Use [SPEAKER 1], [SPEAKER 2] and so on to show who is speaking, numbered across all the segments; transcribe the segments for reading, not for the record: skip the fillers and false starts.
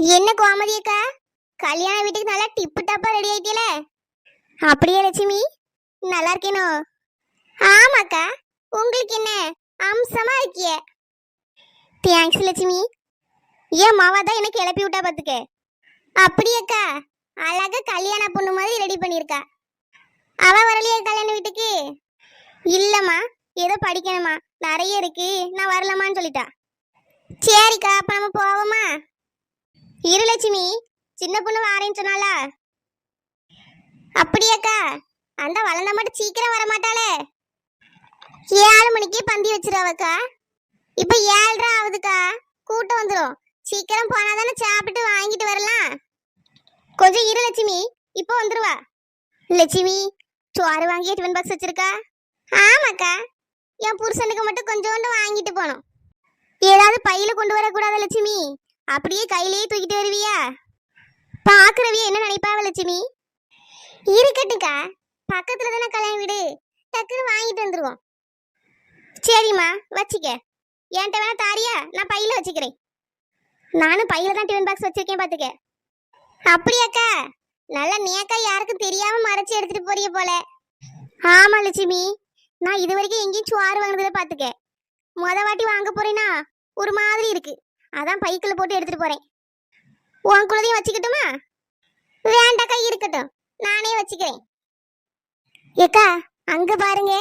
[SPEAKER 1] என்ன கோமதி அக்கா, கல்யாண வீட்டுக்கு நல்லா டிப்பு டாப்பா ரெடி ஆயிட்டீல? அப்படியே லட்சுமி, நல்லா இருக்கேனோ? ஆமாக்கா, உங்களுக்கு என்ன அம்சமா இருக்கிய. தேங்க்ஸ் லட்சுமி. ஏன் மாவா தான் என்ன கிளப்பி விட்டா பாத்துக்க. அப்படியேக்கா, அழகா கல்யாண பொண்ணு மாதிரி ரெடி பண்ணிருக்கா. அவ வரலையே கல்யாண வீட்டுக்கு? இல்லம்மா, ஏதோ படிக்கணுமா, நிறைய இருக்கு, நான் வரலமான்னு சொல்லிட்டா. சரிக்கா, அப்ப நம்ம போவோமா? இரு லட்சுமி, சின்ன பொண்ணு வாரேன்னு சொன்னாளா? அப்படியாக்கா, அந்த வளர்ந்த மட்டும் சீக்கிரம் வர மாட்டாளே. 7 மணிக்கே பந்தி வச்சிருவாக்கா. இப்ப 7:30 ஆகுதுக்கா, கூட்டம் வந்துடும். சீக்கிரம் போனாதானே சாப்பிட்டு வாங்கிட்டு வரலாம். கொஞ்சம் இரு லட்சுமி, இப்போ வந்துருவா. லட்சுமி, சோறு வாங்கிய டிஃபன் பாக்ஸ் வச்சிருக்கா? ஆமாக்கா, என் புருஷனுக்கு மட்டும் கொஞ்சோண்டு வாங்கிட்டு போனோம். ஏதாவது பையில கொண்டு வரக்கூடாத லட்சுமி, அப்படியே கையிலேயே தூக்கிட்டு வருவியா? பாக்குறவிய என்ன நினைப்பாவ லட்சுமி? இருக்கட்டுக்கா, பக்கத்துல தானே கல்யாண வீடு, டக்குன்னு வாங்கிட்டு வந்துருவோம். சரிம்மா, வச்சிக்க. என்கிட்ட வேணா தாரியா? நான் பையில வச்சுக்கிறேன். நானும் பையில தான் டிஃபன் பாக்ஸ் வச்சிருக்கேன் பாத்துக்க. அப்படியாக்கா, நல்ல நேக்கா யாருக்கும் தெரியாம மறைச்சு எடுத்துட்டு போறிய போல. ஆமா லட்சுமி, நான் இது வரைக்கும் எங்கேயும் சோறு வாங்குறத பாத்துக்க. முத வாட்டி வாங்க போறேனா ஒரு மாதிரி இருக்கு, அதான் பைக்குள்ள போட்டு எடுத்துட்டு போறேன். உன் குழந்தையும் வச்சுக்கிட்டுமா? வேண்டாக்கா, இருக்கட்டும், நானே வச்சுக்கிறேன். ஏக்கா, அங்க பாருங்க.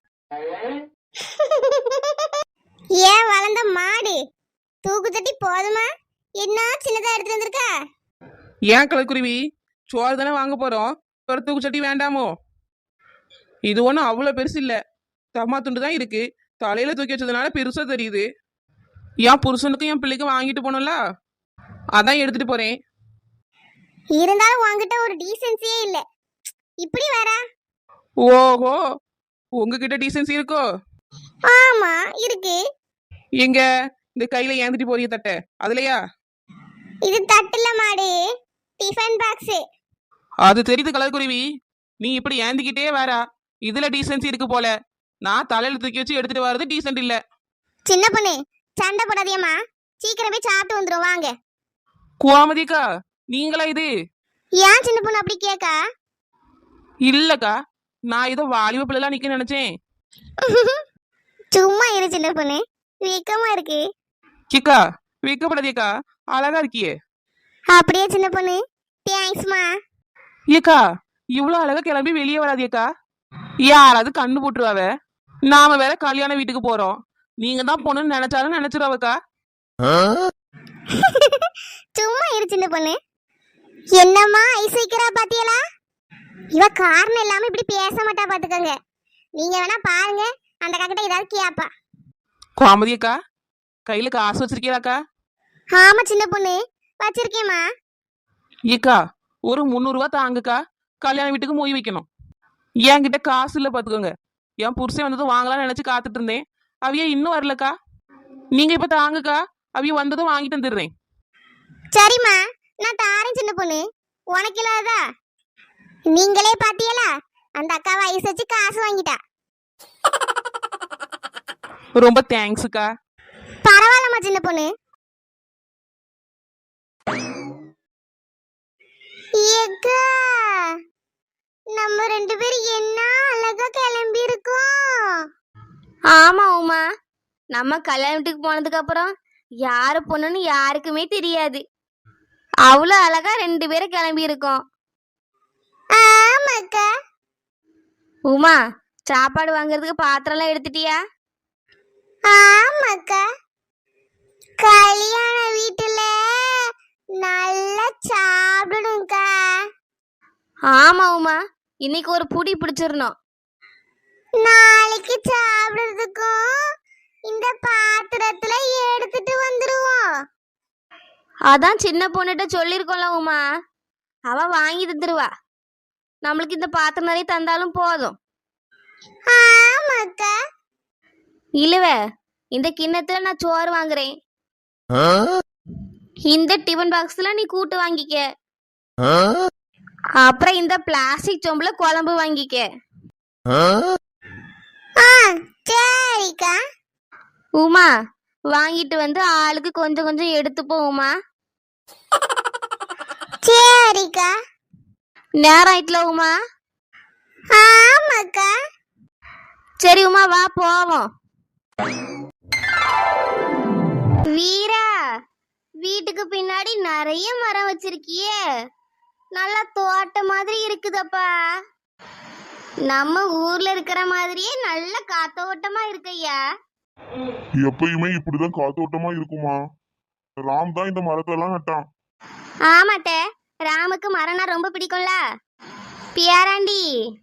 [SPEAKER 1] ஏன் வளர்ந்த மாடு தூக்கு தட்டி போதுமா? என்ன சின்னதா எடுத்துட்டு வந்திருக்கா?
[SPEAKER 2] ஏன் கலக்குருவி, சோறு தானே வாங்க போறோம், ஒரு தூக்கு சட்டி வேண்டாமோ? இது ஒன்றும் அவ்வளோ பெருசு இல்லை, தம்மா துண்டு தான் இருக்கு. தலையில தூக்கி வச்சதுனால பெருசா தெரியுது. என் புருஷனுக்கும் என் பிள்ளைக்கும் வாங்கிட்டு போனோம்ல, அதான் எடுத்துட்டு போறேன்.
[SPEAKER 1] இருந்தாலும் உன்கிட்ட ஒரு டீசென்சியே இல்ல, இப்படி வரா?
[SPEAKER 2] ஓஹோ, உங்ககிட்ட டீசன்சி இருக்கோ?
[SPEAKER 1] ஆமா இருக்கு.
[SPEAKER 2] எங்க இந்த கையில ஏந்திட்டு போறிய தட்டை அதுலயா?
[SPEAKER 1] இது தட்டுல மாடு, டிஃபன் பாக்ஸ்.
[SPEAKER 2] அது தெரியுது கலக்குருவி, நீ இப்படி ஏந்திக்கிட்டே வரா, இதுல டீசன்சி இருக்கு போல. நான் தலையில தூக்கி வச்சு எடுத்துட்டு வர்றது டீசென்ட் இல்ல.
[SPEAKER 1] சின்ன பொண்ணு, சண்டை போடாதேம்மா, சீக்கிரம் போய் சாப்பிட்டு வந்துரும் வாங்க.
[SPEAKER 2] கோமதிக்கா, நீங்களா இது?
[SPEAKER 1] ஏன் சின்ன பொண்ணு அப்படி கேக்கா?
[SPEAKER 2] இல்லக்கா, நான் ஏதோ வாலிப பிள்ளைலாம் நிக்க நினைச்சேன்.
[SPEAKER 1] சும்மா இரு சின்ன பொண்ணு, வெக்கமா இருக்கு.
[SPEAKER 2] கிக்கா, வைக்கப்படாதேக்கா, அழகா இருக்கியே.
[SPEAKER 1] அப்படியே சின்ன பொண்ணு, தேங்க்ஸ்மா.
[SPEAKER 2] ஏக்கா, இவ்வளவு அழகா கிளம்பி வெளியே வராதியக்கா, யாராவது கண்ணு போட்டுருவாவ. நாம வேற கல்யாண வீட்டுக்கு போறோம், நீங்க தான் பொண்ணுன்னு நினைச்சாலும் நினைச்சிருவாக்கா.
[SPEAKER 1] சும்மா இரு சின்ன பொண்ணு. என்னம்மா ஐஸ் வைக்கிறா பாத்தியலா? இவ காரணம் இல்லாம இப்படி பேச மாட்டா பாத்துக்கங்க. நீங்க வேணா பாருங்க, அந்த காக்கிட்ட ஏதாவது கேப்பா.
[SPEAKER 2] கோமதியக்கா, கையில காசு வச்சிருக்கீராக்கா?
[SPEAKER 1] ஆமா சின்ன பொண்ணு, வச்சிருக்கேம்மா.
[SPEAKER 2] ஏக்கா, ஒரு 300 ரூபா தாங்குக்கா, கல்யாண வீட்டுக்கு மொய் வைக்கணும். என்கிட்ட காசு இல்ல பாத்துக்கோங்க. என் புருஷன் வந்ததும் வாங்கலாம்னு நினைச்சு காத்துட்டு இருந்தேன், அவிய இன்னும் வரலக்கா. நீங்க இப்ப தாங்குக்கா, அவிய வந்ததும் வாங்கிட்டு வந்துடுறேன்.
[SPEAKER 1] சரிம்மா, நான் தாரேன் சின்ன பொண்ணு, உனக்கு இல்லாததா? நீங்களே பாத்தியலா, அந்த அக்காவை ஐஸ் வச்சு காசு வாங்கிட்டா.
[SPEAKER 2] ரொம்ப தேங்க்ஸுக்கா.
[SPEAKER 1] பரவாயில்லம்மா சின்ன பொண்ணு. ஏக்கா, நம்ம 2 பேரும் என்ன அழகா கிளம்பி இருக்கோம்.
[SPEAKER 3] ஆமா உமா, நம்ம கல்யாணத்துக்கு போனதுக்கு அப்புறம் யாரு பொண்ணுன்னு யாருக்குமே தெரியாது. அவ்வளோ அழகா 2 பேரும் கிளம்பி இருக்கோம்.
[SPEAKER 1] ஆமாக்கா.
[SPEAKER 3] உமா, சாப்பாடு வாங்குறதுக்கு பாத்திரம்லாம் எடுத்துட்டியா?
[SPEAKER 1] ஆமாக்கா, கல்யாண வீட்டுல நல்லா சாப்பிடணும்க்கா.
[SPEAKER 3] ஆமா உமா, இன்னைக்கு ஒரு புடி பிடிச்சிடணும்.
[SPEAKER 1] நாளைக்கு சாப்பிடுறதுக்கும் இந்த பாத்திரத்துல எடுத்துட்டு வந்துருவோம்.
[SPEAKER 3] அதான் சின்ன பொண்ணுகிட்ட சொல்லியிருக்கோம்ல உமா, அவ வாங்கி தந்துருவா. நம்மளுக்கு இந்த பாத்திரம் நிறைய தந்தாலும் போதும்.
[SPEAKER 1] ஆமாக்கா.
[SPEAKER 3] இல்லவ, இந்த கிண்ணத்துல நான் சோறு வாங்குறேன், இந்த டிஃபன் பாக்ஸ்ல நீ கூட்டு வாங்கிக்க, அப்புறம் இந்த பிளாஸ்டிக் சொம்புல குழம்பு வாங்கிக்க.
[SPEAKER 1] சரிக்கா.
[SPEAKER 3] உமா, வாங்கிட்டு வந்து ஆளுக்கு கொஞ்சம் கொஞ்சம் எடுத்துப்போம் உமா.
[SPEAKER 1] சரிக்கா.
[SPEAKER 3] நேரம் ஆயிட்டுல உமா.
[SPEAKER 1] ஆமாக்கா.
[SPEAKER 3] சரி உமா வா போவோம். வீரா, வீட்டுக்கு பின்னாடி நிறைய மரம் வச்சிருக்கியே, நல்லா தோட்டம் மாதிரி இருக்குதப்பா. நம்ம ஊர்ல இருக்கிற மாதிரியே நல்ல காத்தோட்டமா இருக்கையா.
[SPEAKER 4] எப்பயுமே இப்படிதான் காத்தோட்டமா இருக்குமா? ராம் தான் இந்த மரத்தெல்லாம் நட்டான்.
[SPEAKER 3] ஆமாட்ட, ராமுக்கு மரம்னா ரொம்ப பிடிக்கும்ல. பியாராண்டி,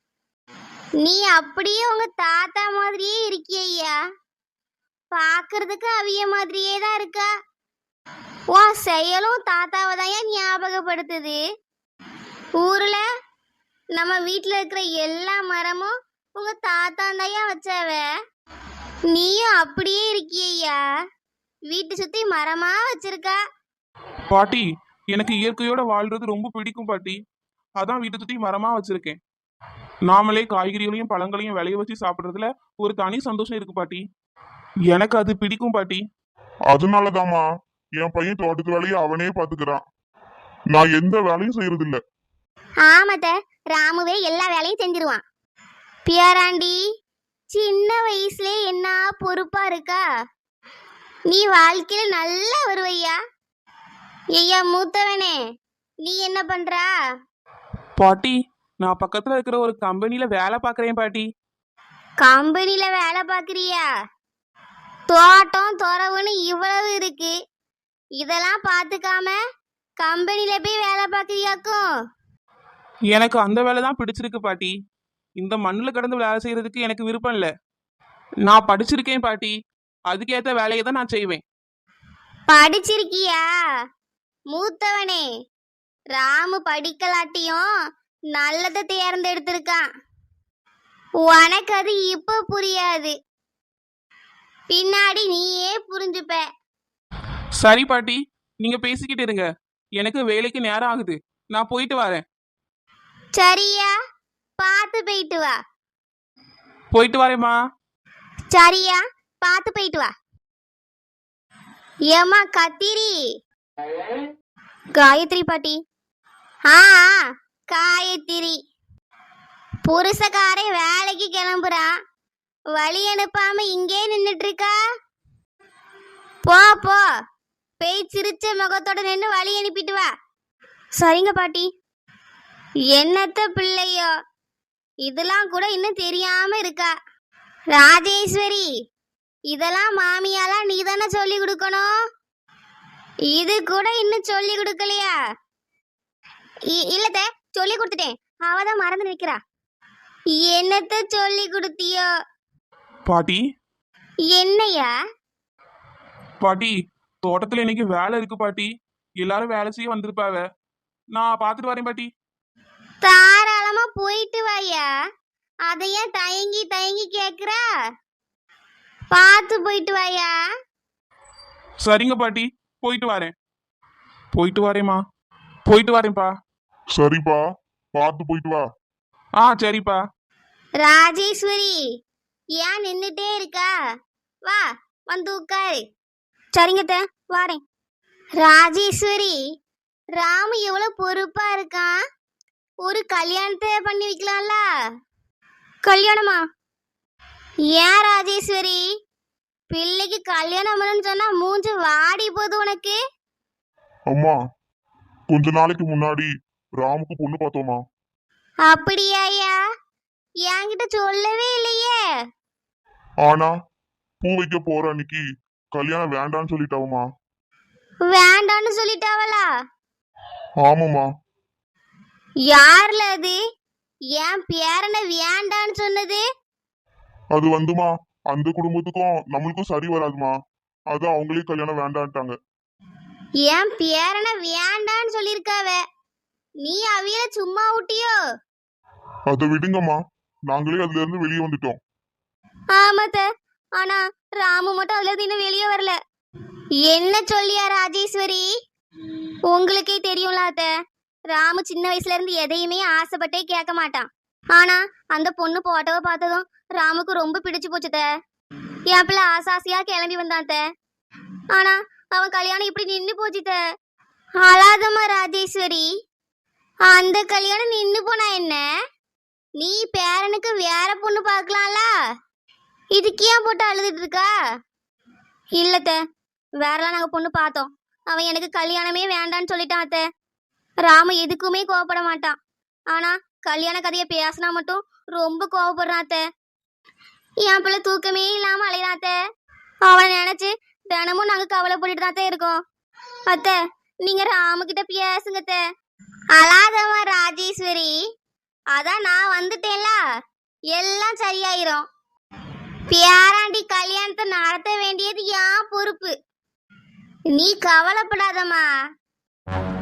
[SPEAKER 3] நீ அப்படியே உங்க தாத்தா மாதிரியே இருக்கியா. பாக்குறதுக்கு அவிய மாதிரியே தான் இருக்கா. உன் செயலும் தாத்தாவை தான் ஏன் ஞாபகப்படுத்துது. ஊர்ல நம்ம வீட்டுல இருக்கிற எல்லா மரமும் உங்க தாத்தா தான் வச்சாவ. நீயும் அப்படியே இருக்கியா, வீட்டு சுத்தி மரமா வச்சிருக்கா.
[SPEAKER 2] பாட்டி, எனக்கு இயற்கையோட வாழ்றது ரொம்ப பிடிக்கும் பாட்டி. அதான் வீட்டை சுத்தி மரமா வச்சிருக்கேன். நாமளே காய்கறிகளையும் பழங்களையும் விளைய வச்சு சாப்பிட்றதுல ஒரு தனி சந்தோஷம் இருக்கு பாட்டி. எனக்கு அது பிடிக்கும் பாட்டி.
[SPEAKER 4] அதனாலதாம்மா என் பையன் தோட்டத்து வேலையை அவனே பாத்துக்கிறான். நான் எந்த வேலையும் செய்யறது இல்ல.
[SPEAKER 3] ஆமாத்த, ராமுவே எல்லா வேலையும் செஞ்சிருவான். பியாராண்டி, சின்ன வயசுல என்ன பொறுப்பா இருக்கா. நீ வாழ்க்கையில நல்லா வருவையா. ஐயா மூத்தவனே, நீ என்ன பண்றா?
[SPEAKER 2] பாட்டி, நான் பக்கத்துல இருக்கிற ஒரு கம்பெனில வேலை பார்க்கறேன் பாட்டி.
[SPEAKER 3] கம்பெனில வேலை பாக்குறியா? தோட்டம் துறவுன்னு இவ்வளவு இருக்கு, இதெல்லாம் பாத்துக்காம கம்பெனில போய் வேலை பாக்குறியாக்கும்.
[SPEAKER 2] எனக்கு அந்த வேலை தான் பிடிச்சிருக்கு பாட்டி. இந்த மண்ணில் கடந்து வேலை செய்யறதுக்கு எனக்கு விருப்பம் இல்லை. நான் படிச்சிருக்கேன் பாட்டி, அதுக்கேற்ற வேலையை தான் நான் செய்வேன்.
[SPEAKER 3] படிச்சிருக்கியா? மூத்தவனே, ராமு படிக்கலாட்டியும் நல்லதை தேர்ந்தெடுத்திருக்கான். உனக்கு அது இப்ப புரியாது, பின்னாடி நீயே புரிஞ்சுப்ப.
[SPEAKER 2] சரி பாட்டி, நீங்க பேசிக்கிட்டு இருங்க. எனக்கு வேலைக்கு நேரம் ஆகுது, நான் போயிட்டு வரேன்.
[SPEAKER 3] சரியா, பார்த்து போயிட்டு வா.
[SPEAKER 2] போயிட்டு வரேம்மா.
[SPEAKER 3] சரியா, பார்த்து போயிட்டு வா. ஏம்மா கத்திரி. காயத்ரி பாட்டி. ஆ, காயத்ரி. புருஷக்காரே வேலைக்கு கிளம்புறான், வழி அனுப்பாம இங்கே நின்னுட்டு இருக்கா. போ போ, பேய் சிரிச்ச முகத்தோட நின்று வழி அனுப்பிட்டு வா. சரிங்க பாட்டி. என்னத்த பிள்ளையோ, இதெல்லாம் கூட இன்னும் தெரியாம இருக்கா. ராஜேஸ்வரி, இதெல்லாம் மாமியாலா நீ தானே சொல்லி கொடுக்கணும், இது கூட இன்னும் சொல்லி கொடுக்கலையா? இல்லத்த, சொல்லி கொடுத்துட்டேன், அவதான் மறந்து நிக்கிறா. என்னத்த சொல்லி கொடுத்தியோ?
[SPEAKER 2] பாட்டி,
[SPEAKER 3] என்னையா?
[SPEAKER 2] பாட்டி, தோட்டத்துல இன்னைக்கு வேலை இருக்கு பாட்டி. எல்லாரும் வேலை செய்ய வந்திருப்பாவ, நான் பார்த்துட்டு வரேன் பாட்டி.
[SPEAKER 3] தாராளமா போயிட்டு வாயா, அதைய தயங்கி தயங்கி கேக்குறா. பார்த்து போயிட்டு வாயா.
[SPEAKER 2] சரிங்க பாட்டி, போயிட்டு வரேன். போயிட்டு வரேம்மா. போயிட்டு வரேன்ப்பா.
[SPEAKER 4] சரிப்பா, பார்த்து போயிட்டு வா.
[SPEAKER 2] ஆ சரிப்பா.
[SPEAKER 3] ராஜேஸ்வரி, ஏன் நின்னுட்டே இருக்கா? வா, வந்து உட்காரு. சரிங்கத்த, வாரேன். ராஜேஸ்வரி, ராமு எவ்வளவு பொறுப்பா இருக்கான். ஒரு கல்யாணத்தை பண்ணி வைக்கலாம்ல. கல்யாணமா? ஏன் ராஜேஸ்வரி, பிள்ளைக்கு கல்யாணம் பண்ணணும்னு சொன்னா மூஞ்சி வாடி போகுது உனக்கு.
[SPEAKER 4] அம்மா, கொஞ்ச நாளைக்கு முன்னாடி ராமுக்கு பொண்ணு பார்த்தோமா.
[SPEAKER 3] அப்படியாயா? என்கிட்ட சொல்லவே இல்லையே.
[SPEAKER 4] ஆனா பூ வைக்க போற அன்னைக்கு கல்யாணம் வேண்டான்னு சொல்லிட்டாவமா.
[SPEAKER 3] வேண்டான்னு சொல்லிட்டாவளா?
[SPEAKER 4] ஆமாம்மா.
[SPEAKER 3] யார்ல அது? என் பேரனை வேண்டான்னு சொன்னது?
[SPEAKER 4] அது வந்துமா, அந்த குடும்பத்துக்கும் நம்மளுக்கும் சரி வராதுமா. அது அவங்களே கல்யாணம் வேண்டான்ட்டாங்க.
[SPEAKER 3] என் பேரனை வேண்டான்னு சொல்லிருக்காவ, நீ அவியல சும்மா விட்டியோ?
[SPEAKER 4] அதை விடுங்கம்மா, நாங்களே அதுல இருந்து வெளியே வந்துட்டோம்.
[SPEAKER 3] ஆமாத்த, ஆனா ராமு மட்டும் அதுல இருந்து இன்னும் வெளியே வரல. என்ன சொல்லியா ராஜேஸ்வரி? உங்களுக்கே தெரியும்ல அத்த, ராமு சின்ன வயசுல இருந்து எதையுமே ஆசைப்பட்டே கேட்க மாட்டான். ஆனா அந்த பொண்ணு போட்டோவை பார்த்ததும் ராமுக்கு ரொம்ப பிடிச்சு போச்சுத. என் பிள்ளை ஆசாசியா கிளம்பி வந்தாத்த, ஆனா அவன் கல்யாணம் இப்படி நின்று போச்சுத. அழாதம்மா ராஜேஸ்வரி, அந்த கல்யாணம் நின்னு போனா என்ன? நீ பேரனுக்கு வேற பொண்ணு பார்க்கலாம்ல. இதுக்கு ஏன் போட்டு அழுதுட்டு இருக்கா? இல்லத்த, வேறலாம் நாங்க பொண்ணு பார்த்தோம். அவன் எனக்கு கல்யாணமே வேண்டான்னு சொல்லிட்டான் அத்த. ராமு எதுக்குமே கோவப்பட மாட்டான். ஆனா கல்யாண கதையை பேசினா மட்டும் ரொம்ப கோவப்படுறான் அத்த. என் பிள்ளை தூக்கமே இல்லாம அலையான் அத்த. அவனை நினைச்சு தினமும் நாங்க கவலைப்பட்டுட்டு தான் இருக்கோம். அத்த, நீங்க ராமு கிட்ட பேசுங்க அத்த. அழாதம்மா ராஜேஸ்வரி, அதான் நான் வந்துட்டேன்ல, எல்லாம் சரியாயிரும். பேராண்டி கல்யாணத்தை நடத்த வேண்டியது என் பொறுப்பு. நீ கவலைப்படாதம்மா.